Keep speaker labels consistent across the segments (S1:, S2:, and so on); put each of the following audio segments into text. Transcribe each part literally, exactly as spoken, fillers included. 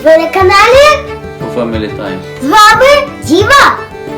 S1: Ви на каналі
S2: Family Time.
S1: з вами Діма,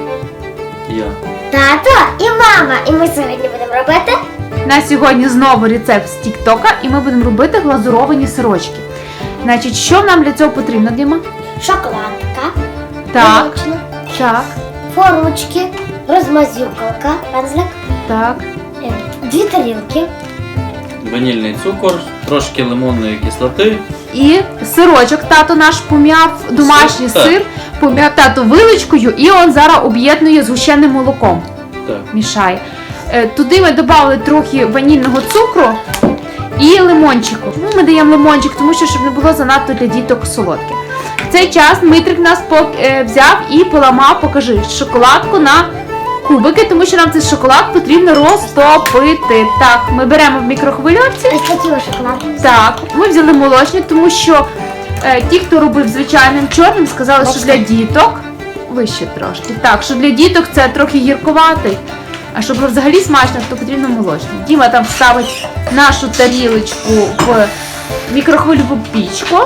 S2: Я.
S1: тато і мама. І ми сьогодні будемо робити
S3: На сьогодні знову рецепт з Тіктока, і ми будемо робити глазуровані сирочки. Значить, що нам для цього потрібно, Діма?
S1: шоколадка,
S3: Так,
S1: молочна,
S3: так,
S1: формочки, розмазюкалка, пензлик,
S3: так.
S1: е, дві тарілки,
S2: Ванільний цукор, трошки лимонної кислоти.
S3: І сирочок тато наш пом'яв, домашній
S2: Сир, так.
S3: сир, пом'яв тато вилочкою, і він зараз об'єднує з гущеним молоком.
S2: Так.
S3: Мішає. Е, Туди ми додали трохи ванільного цукру і лимончику. Чому ми даємо лимончик? Тому що щоб не було занадто для діток солодке. В цей час Дмитрик нас пок- е, взяв і поламав, покажи, шоколадку на кубики, тому що нам цей шоколад потрібно розтопити. Так, ми беремо в мікрохвильовці.
S1: ось такі ось шоколадки.
S3: Так, ми взяли молочні, тому що е, ті, хто робив звичайним чорним, сказали, що для діток вище трошки. Так, що для діток це трохи гірковатий. А щоб взагалі смачно, то потрібно молочний. Діма там ставить нашу тарілочку в мікрохвильову пічку,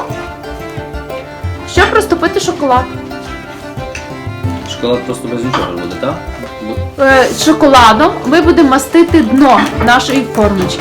S3: щоб розтопити шоколад.
S2: Шоколад просто без нічого буде, так?
S3: Е, шоколадом ми будемо мастити дно нашої формочки.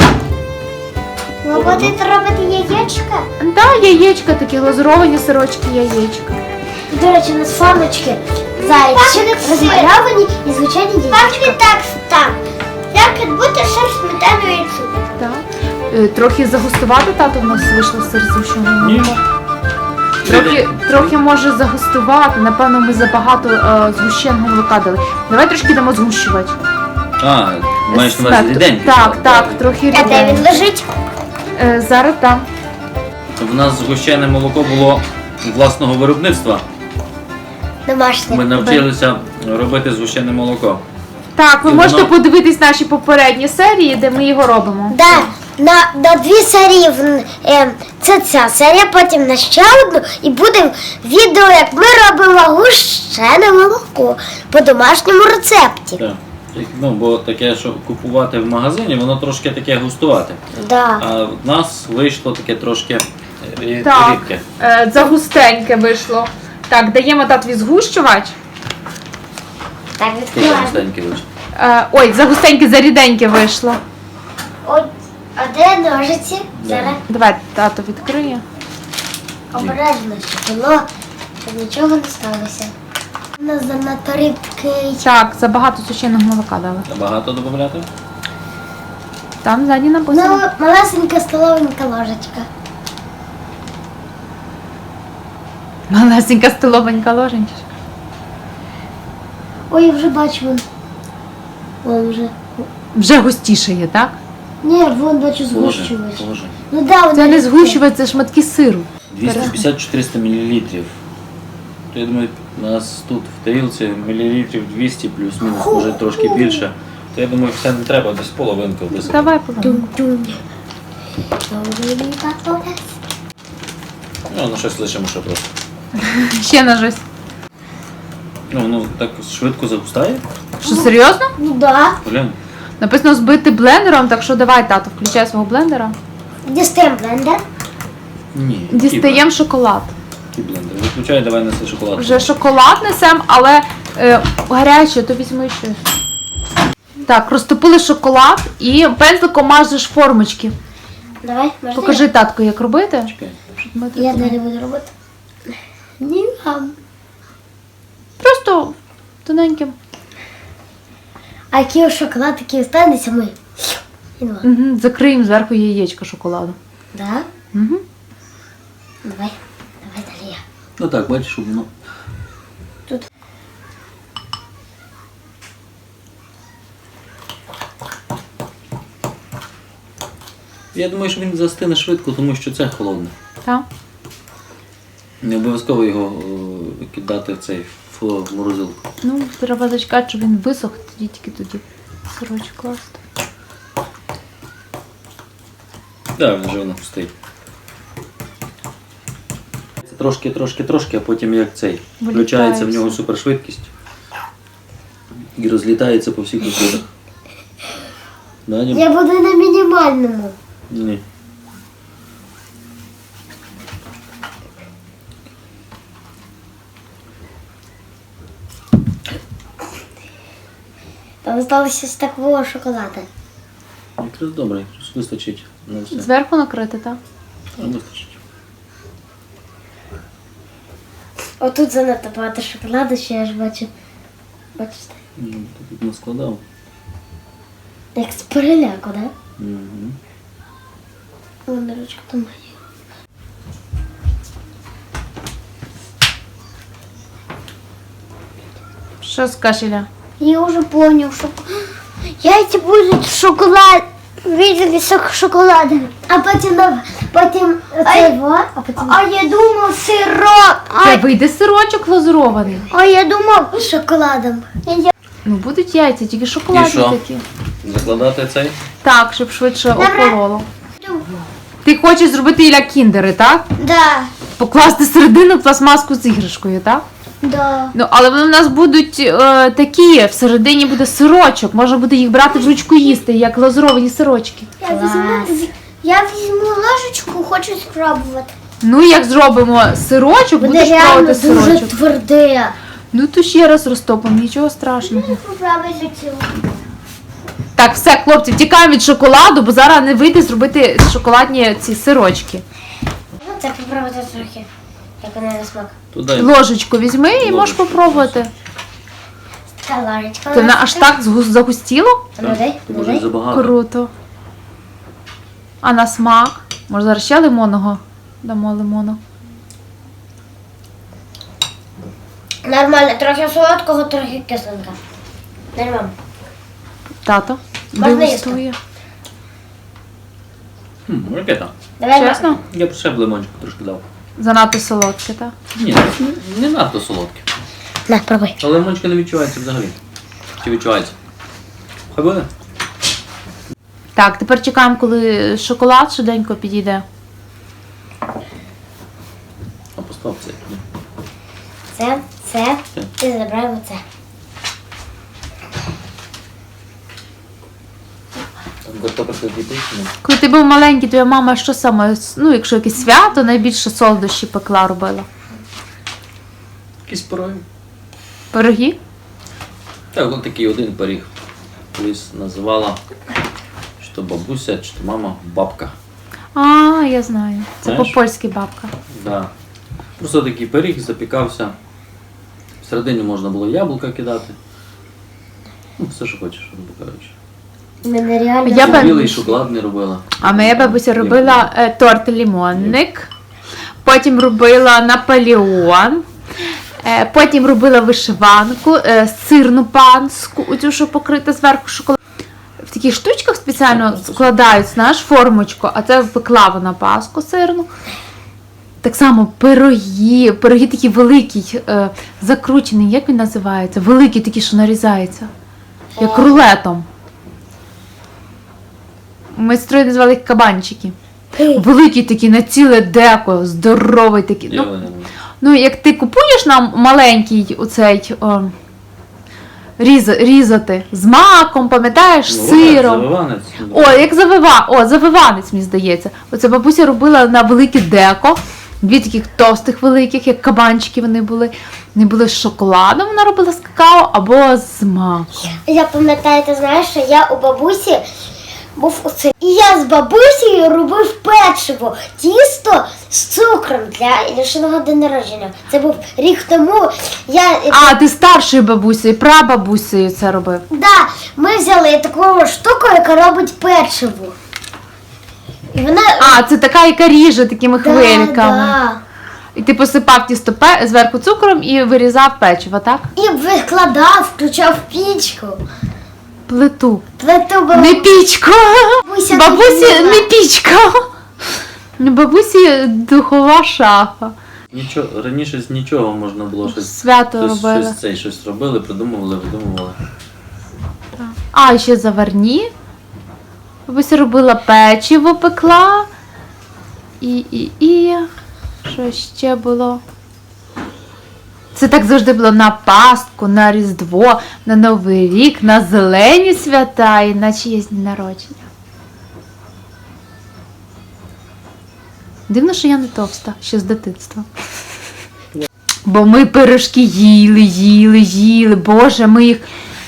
S1: Ви будете робити яєчка?
S3: Так, яєчка, такі глазуровані сирочки, яєчка.
S1: До речі, у нас формочки зайчик, розмальовані і звичайні яєчка. Так, так, так. Як бути сир сметаною і цукром.
S3: Так. Е, Трохи загустувати, тато в нас вийшло сир згущений.
S2: Ні.
S3: Трохи, трохи може загустувати. Напевно, ми забагато е, згущеного молока дали. Давай трошки дамо згущувати.
S2: А, маєш на увазі
S3: Так,
S2: ріденький.
S3: Так, так, трохи
S1: А де він
S3: ріденький.
S1: лежить?
S3: Е, Зараз там.
S2: В нас згущене молоко було власного виробництва.
S1: Домашнє.
S2: Ми навчилися робити згущене молоко.
S3: Так, ви
S2: І
S3: можете
S2: воно-
S3: подивитись наші попередні серії, де ми його робимо.
S1: Да, на, на дві серії в- е, це ця серія, потім на ще одну, і буде відео, як ми робимо гущене молоко по домашньому рецепті.
S2: Так. Ну, бо таке, що купувати в магазині, воно трошки таке густувате.
S1: Да.
S2: А в нас вийшло таке трошки рі-
S3: Так,
S2: рідке.
S3: е, загустеньке вийшло. Так, даємо татові згущувач.
S1: Так,
S2: Таке
S1: відкриваємо.
S2: густеньке вийшло.
S3: Е, Ой, загустеньке, заріденьке вийшло.
S1: От, а де ножиці? Зараз
S3: Давай тато відкриє.
S1: обережно, щоб воно щоб нічого не сталося. У нас занадто рідкий.
S3: Так, забагато сушеного молока дали.
S2: Багато додати?
S3: Там ззаді
S1: Ну,
S3: написано.
S1: малесенька столовенька ложечка.
S3: Малесенька столовенька ложенька.
S1: Ой, я вже бачу вон. Вон вже.
S3: Вже густіше є, так?
S1: Ні, вон бачу
S2: Положи,
S1: згущувач.
S2: положи.
S1: Ну да, воно
S3: Це не
S1: рідке.
S3: згущувач, це шматки сиру.
S2: двісті п'ятдесят - чотириста мілілітрів. То я думаю, у нас тут в тарілці мілілітрів двісті плюс-мінус, може трошки більше. То я думаю, все не треба, десь половинку висипати.
S3: Давай повернемо.
S1: Тум-тум. Добрий тато.
S2: Ну, на щось лишимо ще просто.
S3: Ще на щось.
S2: Ну, воно так швидко загустає.
S3: Що, серйозно?
S1: Ну да.
S2: Блін.
S3: Написано збити блендером, так що давай, тато, включай свого блендера.
S1: Дістаємо блендер.
S2: Ні.
S3: Дістаємо шоколад.
S2: Який блендер? Виключай, давай неси шоколад.
S3: Вже шоколад несем, але е, гаряче, то візьми ще. Так, розтопили шоколад і пензликом мажеш формочки.
S1: Давай, можна?
S3: Покажи татку, як робити.
S2: Чекай.
S3: Щоб ми
S1: Я
S3: тут-
S1: далі буду робити. Ні, мам.
S3: Просто тоненьким.
S1: А який шоколад, такий останеться ми. І два.
S3: Угу, закриємо зверху яєчко шоколаду.
S1: Да?
S3: Угу.
S1: Давай. Давай далі я.
S2: Ну так, бачиш, щоб воно.
S1: Тут.
S2: Я думаю, що він застине швидко, тому що це холодне.
S3: Так.
S2: Не обов'язково його е, кидати в цей в в морозилку.
S3: Ну, треба зачекати, щоб він висох, тоді тільки тоді сирочок класти.
S2: Так, він вже воно стоїть. Це трошки, трошки, трошки, а потім як цей. Включається в нього супершвидкість і розлітається по всіх виходах. Да, Дім?
S1: Я буду на мінімальному.
S2: Ні.
S1: осталось ось такого шоколада.
S2: Якраз добре, якраз вистачить на все.
S3: Зверху накрити, так?
S2: Вистачить.
S1: Отут занадто багато шоколаду, що я ж бачу. Бачите?
S2: Ну, ти тут наскладав.
S1: Як з переляку, да?
S2: Угу.
S1: Вон ручка там моя.
S3: Що скажеш, Ілля?
S1: Я уже понял, что яйца будут шоколад, видели сок шоколадом. А потім, потім цього, а потім... А я думав сироп.
S3: Це вийде сирочок глазурований.
S1: А я думав шоколадом.
S3: Ну будуть яйця, тільки шоколадні
S2: І що?
S3: такі.
S2: Закладати цей?
S3: Так, щоб швидше
S1: Добре.
S3: охололо. Ти хочеш зробити, Ілля, кіндери, так?
S1: Да,
S3: Покласти середину пластмаску з іграшкою, так?
S1: да.
S3: Ну, але вони в нас будуть е, такі, всередині буде сирочок, можна буде їх брати в ручку їсти, як глазуровані сирочки.
S1: Я візьму, я візьму ложечку, хочу спробувати.
S3: Ну, як зробимо сирочок,
S1: Буде
S3: будеш
S1: реально
S3: пробувати
S1: дуже
S3: сирочок.
S1: тверде.
S3: Ну, то ще раз розтопимо, нічого страшного.
S1: Попробуй цього.
S3: Так, все, хлопці, тікаємо від шоколаду, бо зараз не вийде зробити шоколадні ці сирочки.
S1: Ну, це попробувати трохи. Як вона на смак.
S2: Туди.
S3: Ложечку візьми і можеш
S2: Ложечку.
S3: попробувати.
S1: Така ложечка.
S3: Ти вона аж так згу- загустіло?
S1: Ну, дай,
S2: Ти
S1: ну,
S2: може
S1: дай.
S2: забагато.
S3: Круто. А на смак? Може зараз ще лимонного? Дамо лимону.
S1: Нормально, трохи солодкого, трохи кисленька. Нормально.
S3: Тато
S1: Можна
S3: дегустує.
S2: Хм, ракета.
S1: Давай,
S3: Чесно?
S2: Я б ще б лимончику трошки дав.
S3: Занадто солодке, так?
S2: Ні, не надто солодке.
S1: На, пробуй.
S2: Але лимончика не відчувається взагалі. Чи відчувається? Хай буде?
S3: Так, тепер чекаємо, коли шоколад швиденько підійде.
S2: А постав це. Ні.
S1: Це, це,
S2: Це.
S1: і забираємо це.
S2: Там картопелька кипить, ну.
S3: Коли ти був маленький, твоя мама що саме, ну, якщо якесь свято, найбільше солодощі пекла робила?
S2: Якісь пироги.
S3: Пироги?
S2: Так, от такий один пиріг. Колись називала, чи то бабуся, чи то мама, бабка.
S3: А, я знаю. Це
S2: Знаєш?
S3: по-польськи бабка.
S2: Да. Просто такий пиріг запікався. Всередині можна було яблука кидати. Ну, все, що хочеш, грубо кажучи.
S1: Мене реально...
S3: Я б-
S2: Білий шоколад не робила.
S3: А моя бабуся робила е, торт лімонник, потім робила Наполеон, е, потім робила вишиванку, е, сирну панську, оцю, що покрита зверху шоколадом. В таких штучках спеціально складають, знаєш, формочку, а це пекла вона паску сирну. Так само пироги, пироги такі великі, е, закручені, як він називається? Великі такі, що нарізаються, як рулетом. Ми строї називали їх кабанчики. Великі такі, на ціле деко, здоровий такий.
S2: Я
S3: Ну,
S2: не знаю.
S3: ну, як ти купуєш нам маленький оцей о, різ, різати з маком, пам'ятаєш, з
S2: Ну,
S3: сиром.
S2: завиванець.
S3: О, як завива, о, завиванець, мені здається. Оце бабуся робила на велике деко. Дві таких товстих великих, як кабанчики вони були. Вони були з шоколадом, вона робила з какао або з маком.
S1: Я пам'ятаю, ти знаєш, що я у бабусі був оце. І я з бабусею робив печиво, тісто з цукром для Ілюшиного день народження. Це був рік тому. Я...
S3: А, ти старшою бабусею, прабабусею це робив.
S1: Да, ми взяли таку штуку, яка робить печиво. І вона...
S3: А, це така, яка ріже такими
S1: да,
S3: хвильками.
S1: да.
S3: І ти посипав тісто пе- зверху цукром і вирізав печиво, так?
S1: І викладав, включав пічку.
S3: Плиту.
S1: Плиту було.
S3: Не пічку.
S1: Бабуся
S3: Бабусі
S1: робила.
S3: не пічка. Бабусі духова шафа.
S2: Нічого, раніше з нічого можна було щось.
S3: Свято
S2: Щось,
S3: робили.
S2: щось, цей, щось робили, придумували, видумували.
S3: А, ще заварні. Бабуся робила печиво, пекла. І, і, і. Що ще було? Це так завжди було на Пасху, на Різдво, на Новий рік, на зелені свята і на чиєсь дні народження. Дивно, що я не товста, ще з дитинства. Бо ми пирожки їли, їли, їли. Боже, ми їх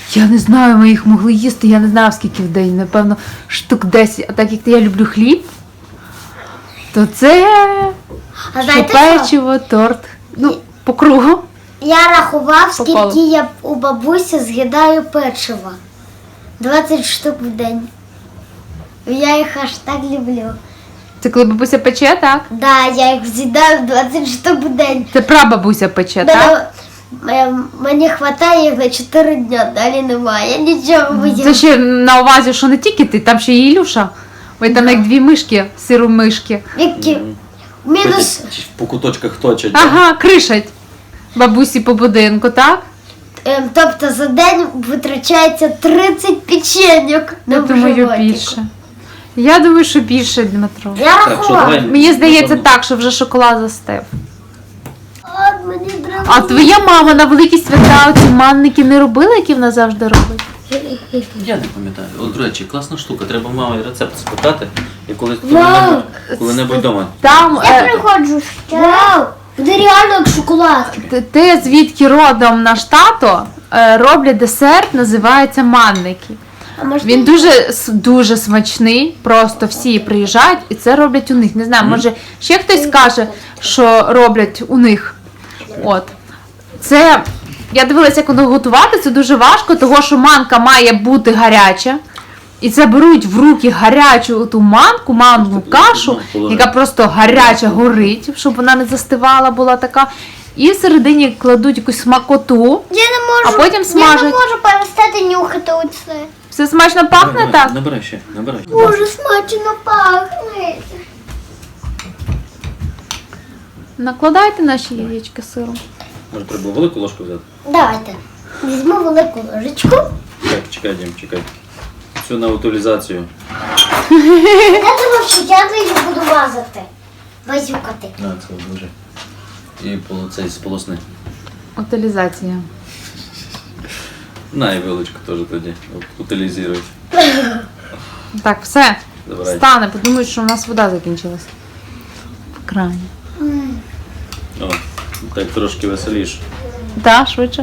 S3: Я не знаю, ми їх могли їсти, я не знаю скільки в день, напевно, штук десять. А так як я люблю хліб, то це
S1: А
S3: що
S1: знаєте що?
S3: печиво, торт. Ну, по кругу.
S1: Я рахував,
S3: По колу.
S1: скільки я у бабусі з'їдаю печива. двадцять штук в день. Я їх аж так люблю.
S3: Це коли бабуся пече, так?
S1: Да, я їх з'їдаю двадцять штук в день.
S3: Це прабабуся пече, так?
S1: Мене, м- мені вистачає їх на чотири дня, далі немає. Я нічого не
S3: Це
S1: їм.
S3: ще на увазі, що не тільки ти, там ще і Ілюша. Ви там як дві мишки, сиру мишки.
S1: Які? Мінус.
S2: Ходять, по куточках точать.
S3: Ага, кришать бабусі по будинку, так?
S1: Ем, тобто за день витрачається тридцять печеньок на
S3: Я думаю,
S1: животику.
S3: більше. Я думаю, що більше, Дмитро.
S1: Я
S2: Так, що
S1: рахував.
S2: давай.
S3: Мені здається
S2: Напевно.
S3: так, що вже шоколад застив.
S1: От мені треба.
S3: А твоя мама на великі свята ці манники не робила, які вона завжди робить?
S2: Я не пам'ятаю. От, до речі, класна штука. Треба мамі рецепт спитати. І коли
S1: Вау!
S2: коли-небудь коли-небудь вдома.
S3: Там
S1: Я
S3: е,
S1: приходжу. Вау! Буде реально як шоколад.
S3: т- те, звідки родом наш тато, е, роблять десерт, називається манники.
S1: А може
S3: Він дуже с- дуже смачний, просто всі приїжджають і це роблять у них. Не знаю, може ще хтось скаже, що роблять у них. От. Це я дивилася, як воно готувати, це дуже важко, тому що манка має бути гаряча. І це беруть в руки гарячу ту манку, манну кашу, яка просто гаряча горить, щоб вона не застивала, була така. І всередині кладуть якусь смакоту,
S1: Я не можу.
S3: а потім
S1: Я не
S3: смажать.
S1: можу перестати нюхати оце.
S3: Все смачно пахне
S2: Набирай,
S3: так?
S2: Набирай ще, набирай.
S1: Дуже смачно пахне.
S3: Накладайте наші яєчки сиром.
S2: Може, треба велику ложку взяти?
S1: Давайте. Візьму велику ложечку.
S2: Так, чекай, Дім, чекай. Цю на утилізацію.
S1: Я думав, що я її буду мазати. Базюкати.
S2: На, це дуже. І поло- цей з полосни.
S3: Утилізація.
S2: На, і вилочку теж тоді. Утилізують.
S3: Так, все.
S2: Забирай.
S3: Стане, подумають, що у нас вода закінчилась. В крані.
S2: О, так трошки веселіше.
S3: Так, швидше.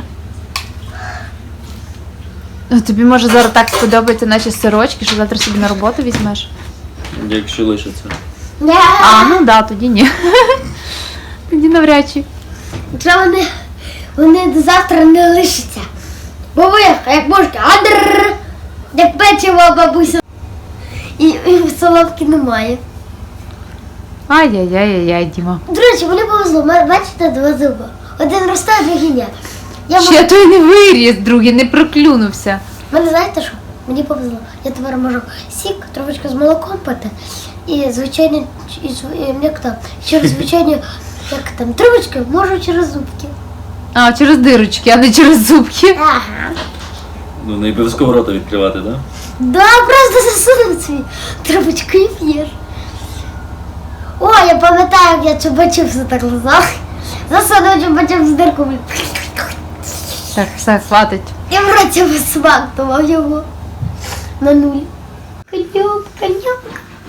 S3: О, тобі може зараз так сподобаються наші сирочки, що завтра собі на роботу візьмеш.
S2: Якщо лишиться.
S1: Не.
S3: А, ну да, тоді ні. Тоді навряд чи.
S1: Вже вони, вони до завтра не лишаться. Бо ви, як можете, адр, як печиво бабуся. І, і солодки немає.
S3: Ай-яй-яй-яй, Діма.
S1: До речі, мені повезло, Ма- бачите, два зуба. Один росте, а другий ні. Я
S3: Ще той не виріс, другий, не проклюнувся.
S1: Мене знаєте що? Мені повезло. Я тепер можу сік, трошечки з молоком пити. І звичайно, і, зв- і, як там, через звичайні, як там, трубочки можу через зубки.
S3: А, через дирочки, а не через зубки.
S1: Ага.
S2: Ну, не обов'язково рота відкривати, так?
S1: Да, просто засунув свій трубочку і п'єш. О, я пам'ятаю, як я чубачився так лизав. Засунув чубачив з дирку.
S3: Так, все, хватить.
S1: І в роті висмактував його на нуль. Конюк, конюк.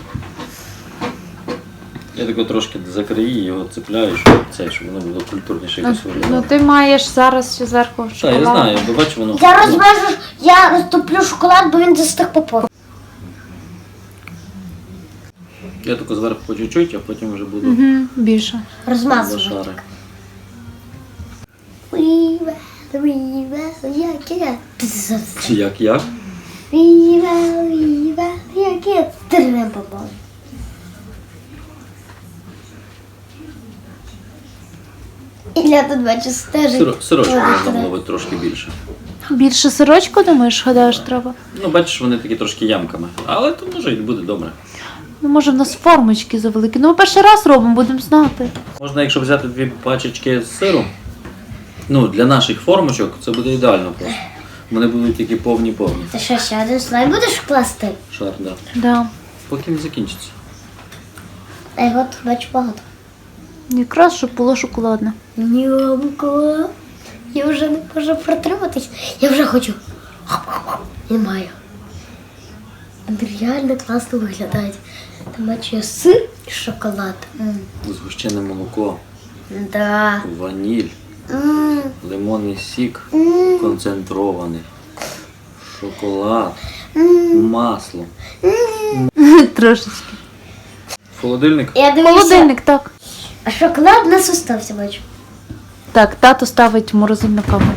S2: Я тако трошки закрию, його цепляю, щоб це, щоб воно було культурніше
S3: Ну,
S2: якось
S3: ну
S2: виглядало.
S3: ти маєш зараз ще зверху
S2: Так,
S3: шоколад.
S2: я знаю, бо бачу воно.
S1: Я розмежу, я розтоплю шоколад, бо він застиг по повну.
S2: Я тако зверху по чуть-чуть, а потім вже буду
S3: Угу, більше.
S2: за
S1: Розмазувати.
S2: шари.
S1: Віве, віве, яке.
S2: Чи як як?
S1: Віве, віве, яке. Трем попав. Ілля тут бачу стежить.
S2: Сиро- Сирочку
S1: Ой,
S2: можна
S1: треба.
S2: було би трошки більше.
S3: Більше сирочку, думаєш, гадаєш, треба?
S2: Ну, бачиш, вони такі трошки ямками. Але то може і буде добре.
S3: Ну, може, в нас формочки завеликі. Ну, ми перший раз робимо, будемо знати.
S2: Можна, якщо взяти дві пачечки з сиру, ну, для наших формочок це буде ідеально просто. Вони будуть тільки повні-повні.
S1: Ти що, ще один слайд будеш класти?
S2: Шар, да.
S3: Да.
S2: Поки не закінчиться.
S1: А його тут бачу багато.
S3: Якраз, щоб було шоколадне.
S1: Нямко. Я вже не можу протриматись. Я вже хочу. Не маю. Вони реально класно виглядають. Там бачу я сир і шоколад. М.
S2: Згущене молоко,
S1: Да.
S2: ваніль,
S1: М.
S2: лимонний сік,
S1: М.
S2: концентрований. Шоколад. Масло.
S3: Трошечки.
S2: Холодильник.
S1: Я дивлюся,
S3: Холодильник, так.
S1: а шоколад у нас остався, бачу.
S3: Так, тато ставить в морозильну камеру.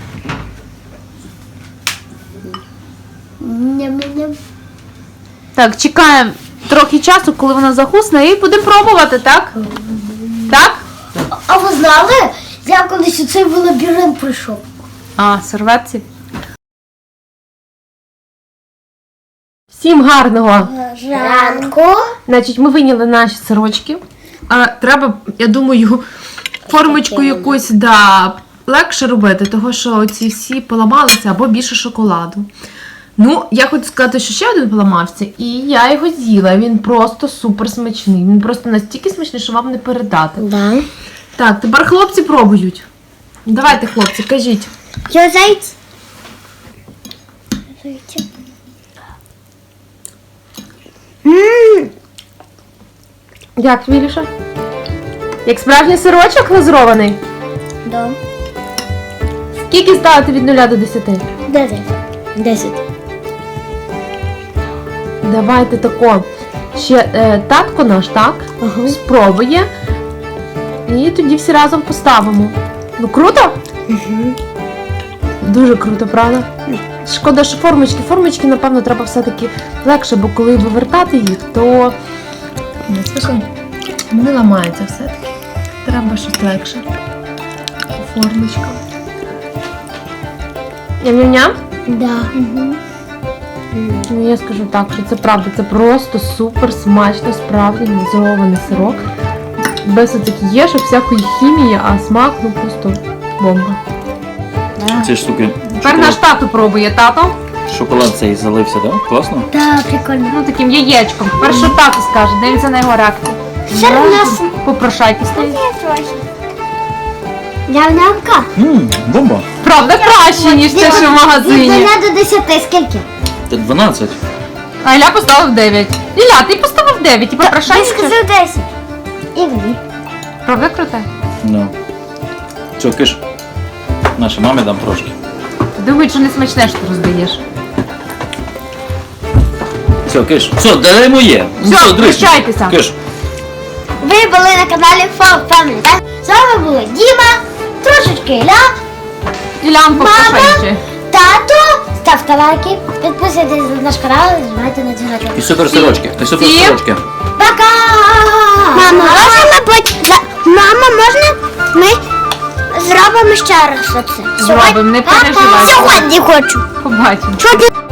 S1: Ням-ням.
S3: Так, чекаємо трохи часу, коли вона загусне, і будемо пробувати, так? Так?
S1: А ви знали, я колись у цей лабіринт прийшов?
S3: А, серветці. Всім гарного!
S1: Ранку.
S3: Значить, ми вийняли наші сирочки. А треба, я думаю, формочку якусь да, легше робити, тому що ці всі поламалися або більше шоколаду. Ну, я хочу сказати, що ще один поламався, і я його з'їла. Він просто супер смачний. Він просто настільки смачний, що вам не передати.
S1: Да.
S3: Так, тепер хлопці пробують. Давайте, хлопці, кажіть.
S1: Я зайць. Ммм.
S3: Як, Віліша? Як справжній сирочок глазурований?
S1: Да.
S3: Скільки ставити від нуля до десяти?
S1: Десять. Десять.
S3: Давайте тако. Ще е, татко наш, так?
S1: Ага.
S3: Спробує. І тоді всі разом поставимо. Ну круто?
S1: Угу.
S3: Дуже круто, правда? Шкода, що формочки. Формочки, напевно, треба все-таки легше, бо коли вивертати їх, то ну, слухай, вони ламаються все-таки. Треба щось легше. Формочка. Ням-ням-ням?
S1: Да. Угу.
S3: Ну, я скажу так, що це правда, це просто супер смачно, справді глазурований сирок. Без оцих єшок, всякої хімії, а смак, ну просто бомба.
S2: Ці штуки.
S3: Тепер наш тато пробує, тато.
S2: Шоколад цей залився, так? Класно?
S1: Да, прикольно.
S3: Ну, таким яєчком. Тепер що тато скаже, дивіться на його реакцію.
S1: Ще у нас
S3: Попрошайки стоїть.
S1: ням-нямка.
S2: Ммм, бомба.
S3: Правда, краще, ніж те, що в магазині.
S1: Від нуля до десяти скільки?
S2: Це дванадцять.
S3: А Ілля поставив дев'ять. Ілля, ти поставив дев'ять і
S1: Ти
S3: попрошайки.
S1: сказав десять. І дві.
S3: Правда круте?
S2: Ну. Все, киш. Нашій мамі дам трошки.
S3: Думають, що не смачне, що ти роздаєш.
S2: Все, киш. Все, дай моє.
S3: Все,
S2: дрись.
S3: прощайтеся.
S2: Киш.
S1: Ви були на каналі Фан Family, так? З вами були Діма, трошечки Ілля,
S3: Іллян попрошайче.
S1: тато. Ставте лайки, підписуйтесь на наш канал і нажимайте на дзвіночок.
S2: І супер сирочки. І супер
S3: Всім.
S2: сирочки.
S1: Пока! Мама, можна ми Мама, можна ми зробимо ще раз оце?
S3: Зробимо, не переживай.
S1: Сьогодні хочу.
S3: Побачимо.
S1: Чого ти